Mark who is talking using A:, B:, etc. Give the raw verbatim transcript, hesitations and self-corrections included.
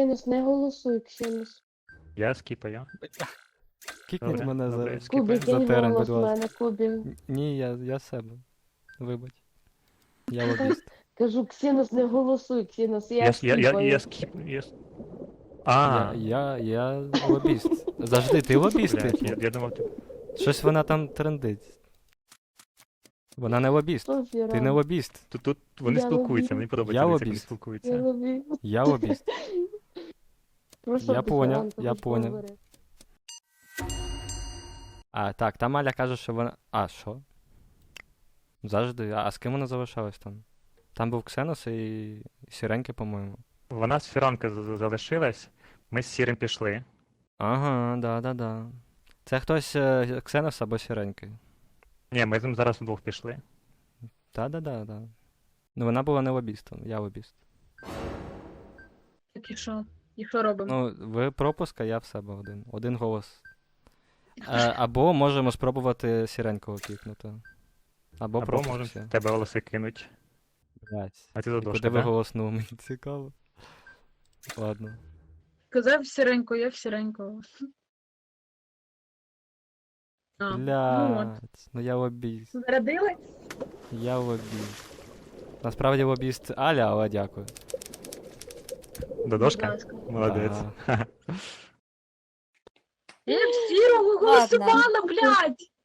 A: Ксенос, не голосуй, Ксенос.
B: Я скіпаю.
C: Кікніть
B: Добре,
C: мене
B: добре,
C: за...
B: скіпаю.
A: Кубі, кинь
C: терен,
A: голос
C: будь
A: в
C: ласка.
A: мене, Кубі.
C: Н- Ні, я, я себе. Вибач. Я лобіст.
A: Кажу, Ксенос, не голосуй, Ксенос, я,
B: Я, с- я, я,
A: скіпаю.
B: я скіп... Я... с-
C: Я,
B: А,
C: я, я лобіст. Завжди, ти лобіст,
B: блядь,
C: типу.
B: я, я думав, ти...
C: Щось вона там трендить. Вона не лобіст.
A: Софія,
C: Ти не лобіст.
B: Тут, тут вони
A: Я
B: спілкуються,
A: лобіст.
B: мені подобається,
C: Я
B: дивіться, як вони
C: лобіст.
A: Я
B: спілкуються.
A: ловлю.
C: Я лобіст.
A: Просто
C: Я
A: без
C: поняв,
A: варіантів,
C: я
A: хоч
C: поняв.
A: поговори.
C: А, так, там Аля каже, що вона. А, що? Завжди. А, а з ким вона залишалась там? Там був Ксенос і, і Сіреньки, по-моєму.
B: Вона з Фіранки з- з- залишилась, ми з Сірим пішли.
C: Ага, да-да-да. Це хтось е, Ксенос або Сіреньки.
B: Ні, ми з ним зараз вдвох пішли.
C: Та-да-да-да. Ну вона була не лобістом, я лобіст.
D: Так і що? І що робимо?
C: Ну, ви пропуск, а я в себе один. Один голос. Е, або можемо спробувати Сіренького кікнути. Або,
B: Або
C: пропуск
B: можемо
C: всі.
B: тебе голоси кинуть.
C: Блять.
B: А ти
C: І
B: задошка,
C: куди ви
B: да?
C: голоснули, мені цікаво. Ладно.
D: Казав сіренько, я в сіренько. А, ну от.
C: Блять. Ну я лобіст.
D: Зарядили?
C: Я лобіст. Насправді лобіст Аля, але дякую.
D: Будь
B: Додошка?
D: ласка.
B: Молодець.
C: Ага.
D: Я в сірого голосувала, блядь!